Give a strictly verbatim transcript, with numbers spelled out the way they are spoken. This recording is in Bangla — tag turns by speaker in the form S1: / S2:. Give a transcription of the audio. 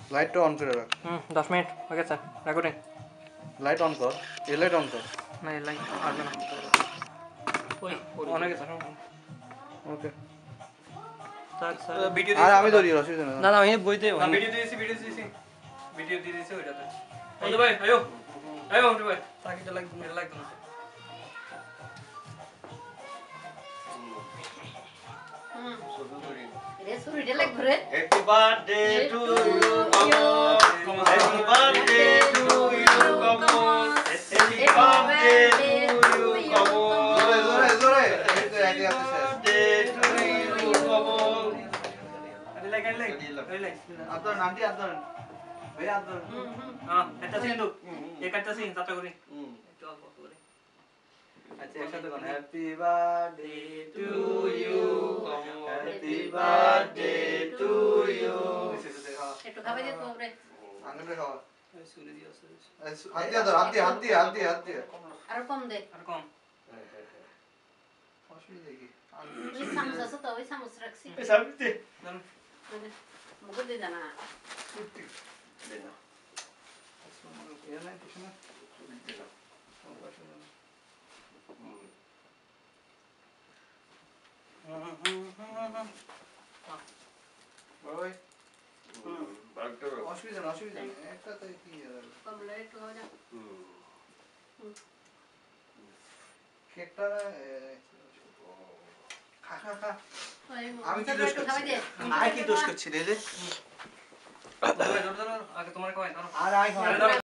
S1: লাইটটা অন করে রাখ।
S2: হুম দশ মিনিট হয়ে গেছে রেকর্ডিং।
S1: লাইট অন কর, এই লাইট অন কর।
S2: না এই লাইট আসবে না। ওই অন হয়ে গেছে।
S1: ওকে
S2: স্যার স্যার
S3: ভিডিও
S1: আর
S3: দিয়েছি
S1: আমি ধরি, অসুবিধা
S2: না
S1: না।
S2: না আমি বইতে
S3: না ভিডিও দিয়েছি ভিডিও দিয়েছি ভিডিও দিয়ে দিয়েছি ওইটাতে বন্ধু ভাই আয়ো আয়ো বন্ধু ভাই
S2: তাকিটা লাগবে না।
S3: এটা লাগতো না
S4: Happy birthday to you, come on. Happy birthday to you, come on. Happy birthday to you, come on.
S1: জোরে জোরে জোরে, এই তো একই আছে শেষ।
S4: Birthday to you, come on.
S3: আরে লাইক আরে লাইক আরে লাইক
S1: আপনার নামটি আপনার ভাই আপনার
S3: হ্যাঁ এটা সিন তো এই কাটটা সিন যাত্রা করি
S4: হুম।
S3: একটু অল্প করে
S1: আচ্ছা একসাথে কোন happy birthday
S4: To you, come on. Happy birthday to you.
S5: একটু খাবে যে তোমরে
S1: আঙ্গুলে খাওয়া।
S3: সুরে দিও সুরে
S1: হাত দিয়ে ধর, হাত দিয়ে হাত দিয়ে হাত দিয়ে হাত দিয়ে।
S5: আর কম দে
S3: আর কম
S1: অসুবিধা কি?
S5: ওই চামচ আছে তো ওই চামচ রাখছি
S4: এই সামনে
S3: জানো
S5: মুখ দিয়ে জানা
S4: দে না।
S1: ইয়ে নাই কিছু না? বড় ভাই,
S4: হুম, বাগটা রাখ।
S1: অসুবিধা না, অসুবিধা নেই। একটাতে কি আর?
S5: কমলে একটু খাবে না
S4: হুম।
S1: কেকটা এ, খা খা খা।
S5: ওই
S1: আমি কি
S5: মুখটা
S1: দোষ
S5: একটু
S1: করছি?
S5: খাবে দে
S1: আয় কি দোষ করছি রে রে?
S3: বন্ধু ভাই ধরো ধরো আগে তোমার কয় ধরো
S1: আর আয় খাওয়া।
S3: আরে ধরো